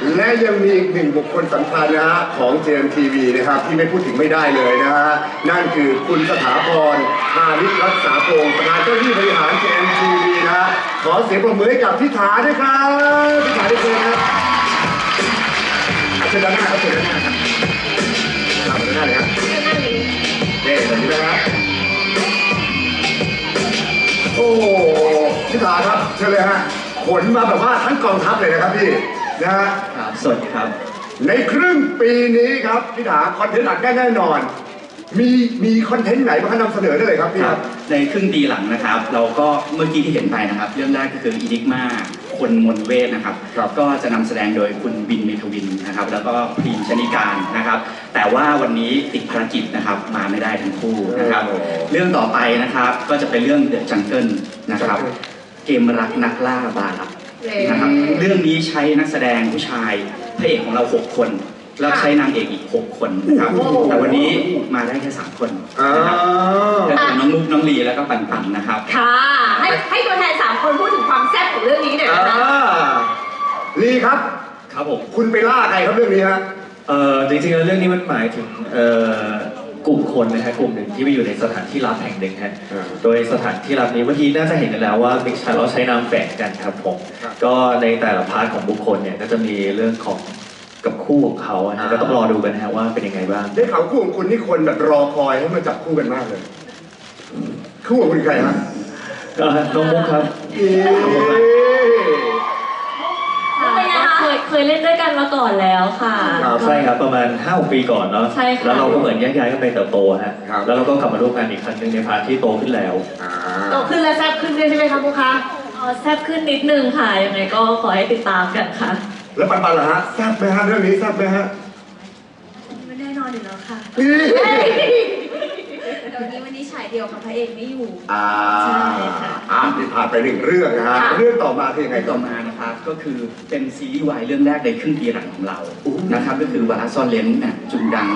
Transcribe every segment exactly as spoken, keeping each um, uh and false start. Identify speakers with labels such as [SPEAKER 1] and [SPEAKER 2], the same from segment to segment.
[SPEAKER 1] และยังมีอีกหนึ่งบุคคลสำคัญนะฮะของ เจ เอ็ม ที วี นะครับที่ไม่พูดถึงไม่ได้เลยนะฮะนั่นคือคุณสถาพร พานิชรักษาพงศ์ประธานเจ้าหน้าที่บริหาร เจ เอ็ม ที วี นะฮะขอเสียงปรบมือให้กับพิธาด้วยครับพิธาได้เลยครับเชิญด้านหน้าครับเชิญด้านหน้าครับด้านหน้าเลยครับเด็กแบบนี้นะครับโอ้พิธาครับเชิญเลยฮะขนมาแบบว่าทั้งกองทัพเลยนะครับพี่นะฮะ
[SPEAKER 2] สวัสดีครับ
[SPEAKER 1] ในครึ่งปีนี้ครับพี่ถาคอนเทนต์หลักแน่นอนมีมีคอนเทนต์ไหนมานำเสนอได้เลยครับพี่ครับ
[SPEAKER 2] ในครึ่งปีหลังนะครับเราก็เมื่อกี้ที่เห็นไปนะครับเรื่องแรกก็คืออีนิกมาคนมนเวทนะครับก็จะนำแสดงโดยคุณบินเมทวินนะครับแล้วก็พรีมชนิการนะครับแต่ว่าวันนี้ติดภารกิจนะครับมาไม่ได้ทั้งคู่นะครับเรื่องต่อไปนะครับก็จะเป็นเรื่องเดอะจังเกิลนะครับเกมรักนักล่าบาลับนะครับเรื่องนี้ใช้นักแสดงผู้ชายพระเอกของเราหกคนแล้วใช้นางเอกอีกหกคนนะครับแต่วันนี้มาได้แค่สามคนนะครับก็คือน้องมุกน้องลีแล้วก็ปันปันนะครับ
[SPEAKER 3] ค่ะให้ให้ตัวแทนสามคนพูดถึงความแซ่บของเรื่องนี้หน่อยนะคะ
[SPEAKER 1] ลีครับ
[SPEAKER 4] ครับผม
[SPEAKER 1] คุณไปล่าใครครับเรื่องนี้ฮะ
[SPEAKER 4] เอ่อจริงๆแล้วเรื่องนี้มันหมายถึงเอ่อกลุ่มคนนะฮะกลุ่มหนึ่งที่ไปอยู่ในสถานที่ลับแห่งหนึ่งฮะโดยสถานที่ลับนี้เมื่อกี้น่าจะเห็นกันแล้วว่ามิกชันเราใช้นามแฝงกันครับผมก็ในแต่ละพาร์ทของบุคคลเนี่ยก็จะมีเรื่องของกับคู่ของเขานะก็ต้องรอดูกันฮะว่าเป็นยังไงบ้าง
[SPEAKER 1] ได้ข่าวคู่ของคุณนี่คนแบบรอคอยให้มาจับคู่กันมากเลยคู่ของคุณใครฮะ
[SPEAKER 4] ก็น้องมุกครับ
[SPEAKER 3] เคยเคยเล่นด้วยกันมาก่อนแล้วค่ะ
[SPEAKER 4] ใช่ครับประมาณห้าหกปีก่อนเนาะแล้วเราก็เหมือนแยกย้ายกันไปเติบโตฮะแล้วเราก็กลับมาร่วมงานอีกครั้งหนึ่งในพาร์ทที่โตขึ้นแล้ว
[SPEAKER 3] โตขึ้นและแซ่บขึ้นด้วยใช่ไหมคะมุกคะอ๋อแซ่บขึ้นนิดนึงค่ะยังไงก็ขอให้ติดตามกันค่ะ
[SPEAKER 1] แล้วปันปันล่ะฮะแซ่บไหมฮะเรื่องนี้แซ่บไหมฮะ
[SPEAKER 5] ไม่แน่นอนอยู่แล้วค่ะเดี๋ยวนี้วันนี้ฉายเดียวกับพระเอกไม่อยู่
[SPEAKER 1] อ่าใช่ค่ะอ่าที่ผ่านไปหนึ่งเรื่องนะฮะเรื่องต่อมาคือยังไง
[SPEAKER 2] ต่อมานะครับก็คือเป็นซีรีส์วายเรื่องแรกในครึ่งปีหลังของเรานะครับก็คือวาระซ่อนเลนเนี่ยจุงดัง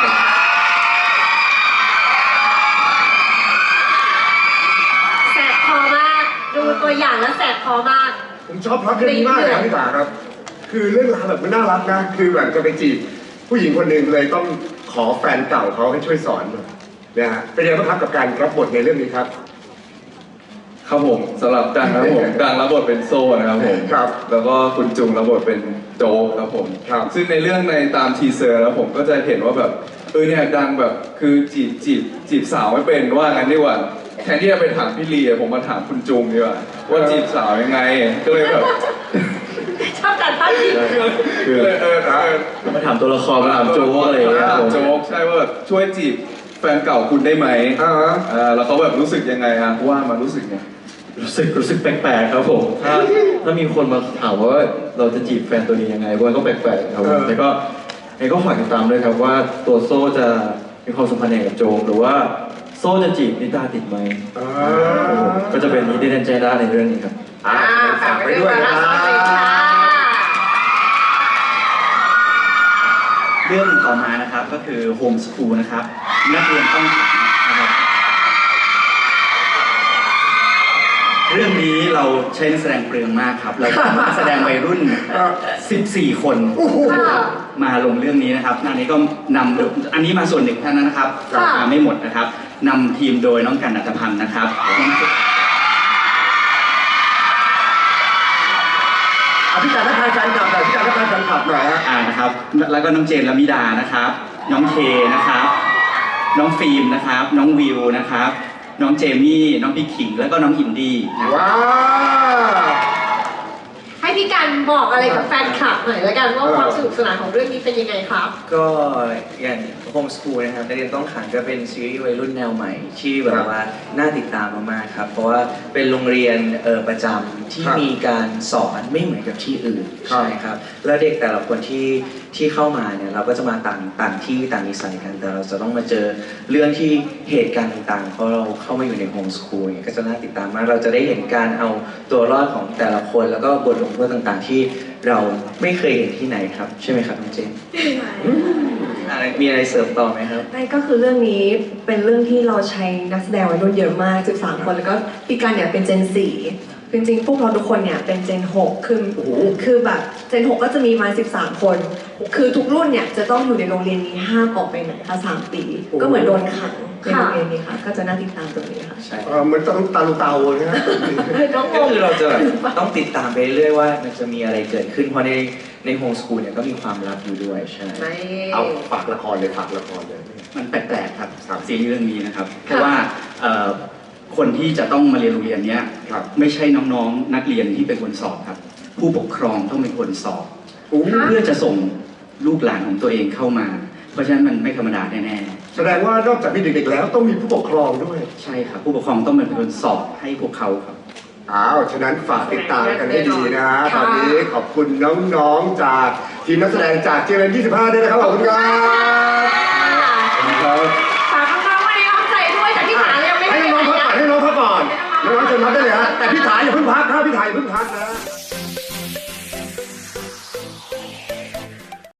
[SPEAKER 3] แสบคอมากดูตัวอย่างแล้วแสบคอมาก
[SPEAKER 1] ผมชอบพล็อตเรื่องนี้มากเลยพี่ตาครับคือเรื่องราวแบบมันน่ารักนะคือแบบจะไปจีบผู้หญิงคนหนึ่งเลยต้องขอแฟนเก่าเขาให้ช่วยสอนนะฮะเป็นยังไงบ้างครับกับการรับบทในเรื่องนี้ครับ
[SPEAKER 6] ครับผมสำหรับดังนะครับผมดังรับบทเป็นโซ่นะครับผม
[SPEAKER 1] ครับ
[SPEAKER 6] แล้วก็คุณจุงรับบทเป็นโจ๊กครับผม
[SPEAKER 1] ครับ
[SPEAKER 6] ซึ่งในเรื่องในตามทีเซอร์แล้วผมก็จะเห็นว่าแบบเออเนี่ยดังแบบคือจีบจีบจีบสาวไม่เป็นว่างั้นดีกว่าแทนที่จะไปถามพี่ลีผมมาถามคุณจุงดีกว่าว่าจีบสาวยังไงก็เลยแบบ
[SPEAKER 3] ชอบการพัฒน์
[SPEAKER 6] คือเออเออ
[SPEAKER 4] มาถามตัวละครมาถามโจ๊กอะไรอย่างเงี้ย
[SPEAKER 6] โจ๊กใช่ว่าแบบช่วยจีบแฟนเก่าคุณได้ไหม
[SPEAKER 1] อ่า
[SPEAKER 6] แล้วเขาแบบรู้สึกยังไงฮะว่ามันรู้สึกไง
[SPEAKER 4] รู้สึกรู้สึกแปลกๆครับผมถ้าถ้ามีคนมาถามว่าเราจะจีบแฟนตัวนี้ยังไงว่าก็แปลกๆครับแต่ก็ไอ้ก็ฝากติดตามด้วยครับว่าตัวโซ่จะมีความสัมพันธ์กับโจงหรือว่าโซ่จะจีบนิตาติดไหมก็จะเป็นนิติเดนเจด้าในเรื่องนี้ครับ
[SPEAKER 1] อ่าฝากไปด้วยนะ
[SPEAKER 2] เรื่องต่อมานะครับก็คือโฮมสคูลนะครับนักเรียนต้องขังนะครับเรื่องนี้เราใช้นักแสดงเปลืองมากครับเราแสดงวัยรุ่นสิบสี่คนมาลงเรื่องนี้นะครับอันนี้ก็นำอันนี้มาส่วนหนึ่งเท่านั้นนะครับมาไม่หมดนะครับนำทีมโดยน้องกันณัฐพันธ์นะครับ
[SPEAKER 1] อภิการทักทายแฟนคลับหน่อยอภิการทักทายแฟนคลับหน่อยฮะ
[SPEAKER 2] อ่านะครับแล้วก็น้องเจนละมิดานะครับน้องเคนะครับน้องฟิล์มนะครับน้องวิวนะครับน้องเจมี่น้องพี่ขิงแล้วก็น้องอินดี้
[SPEAKER 1] ว้าว
[SPEAKER 3] ให้พี่กันบอกอะไรกับแฟนคลับหน่อยแล้วกันว่าความสนุกสนานของเรื่องนี้เป็นยังไงครับ
[SPEAKER 7] ก็อย่างโฮมสคูลนะครับนักเรียนต้องขังก็เป็นซีรีส์วัยรุ่นแนวใหม่ที่แบบว่าน่าติดตามมากๆครับเพราะว่าเป็นโรงเรียนเออประจำที่มีการสอนไม่เหมือนกับที่อื่นใช่ครับแล้วเด็กแต่ละคนที่ที่เข้ามาเนี่ยเราก็จะมาต่างต่างที่ต่างนิสัยกันแต่เราจะต้องมาเจอเรื่องที่เหตุการณ์ต่างๆเพราะเราเข้ามาอยู่ในโฮมสคูลก็จะน่าติดตามมากเราจะได้เห็นการเอาตัวรอดของแต่ละคนแล้วก็บทลงโทษต่างๆที่เราไม่เคยเห็นที่ไหนครับใช่ไหมครับน้องเจนมีอะไรเสริมต่อไหมครับ
[SPEAKER 5] นั่นก็คือเรื่องนี้เป็นเรื่องที่เราใช้นักแสดงวัยรุ่นเยอะมากสิบสามคนแล้วก็พี่กันเนี่ยเป็นเจนสี่จริงๆพวกเราทุกคนเนี่ยเป็นเจนหกคือ
[SPEAKER 1] โอ้โห
[SPEAKER 5] คือแบบเจนหกก็จะมีมาสิบสามคน คือทุกรุ่นเนี่ยจะต้องอยู่ในโรงเรียนนี้ห้ามออกไปไหนค่ะสามปี ก็เหมือนโดนขังในโรงเรียนนี้ค่ะก็จะน่าติดตามตรงนี้ค่ะ
[SPEAKER 7] ใช่
[SPEAKER 1] เออเหมือนต้องตาลูเตานะฮะ
[SPEAKER 5] น้องง
[SPEAKER 7] ก็
[SPEAKER 5] ง
[SPEAKER 7] คือเราจะแบบต้องติดตามไปเรื่อยๆว่ามันจะมีอะไรเกิดขึ้นเพราะในในโฮมสคูลเนี่ยก็มีความลับอยู่ด้วยใช่
[SPEAKER 5] ไม่
[SPEAKER 1] เอาฝากละครเลยฝากละครเลย
[SPEAKER 2] มันแปลกๆครับซีรีส์เรื่องนี้นะครับ เพราะว่าเอ่อคนที่จะต้องมาเรียนโรงเรียนเนี้ย
[SPEAKER 1] ครับ
[SPEAKER 2] ไม่ใช่น้องๆนักเรียนที่เป็นคนสอบครับ ผู้ปกครองต้องเป็นคนสอบ
[SPEAKER 1] โอ้
[SPEAKER 2] เพื่อจะส่งลูกหลานของตัวเองเข้ามา เพราะฉะนั้นมันไม่ธรรมดาแน่ๆ
[SPEAKER 1] แสดงว่านอกจากมีเด็กๆแล้วต้องมีผู้ปกครองด้วย
[SPEAKER 2] ใช่ครับ ผู้ปกครองต้องเป็นคนสอบให้พวกเขาครับ
[SPEAKER 1] อ้าวฉะนั้นฝากติดตามกันให้ดีนะฮะตอนนี้ขอบคุณน้องๆจากทีมนักแสดงจากเจเอ็นยี่สิบห้าด้วยนะครับขอบคุณครับครับ
[SPEAKER 3] ฝากน้องๆไว้ในอ้อมใจด้วยแต่พี่หายังไม่
[SPEAKER 1] ให้
[SPEAKER 3] ได้
[SPEAKER 1] น้องๆพักก่อนให้น้องๆพักก่อน
[SPEAKER 3] ไม่
[SPEAKER 1] น้
[SPEAKER 3] ต้
[SPEAKER 1] องๆ
[SPEAKER 3] อง
[SPEAKER 1] เชิญ
[SPEAKER 3] มา
[SPEAKER 1] พักได้เลยฮะแต่พี่ถ่ายอย่าเพิ่งพักครับพี่ถ่ายอย่าเพิ่งพักนะ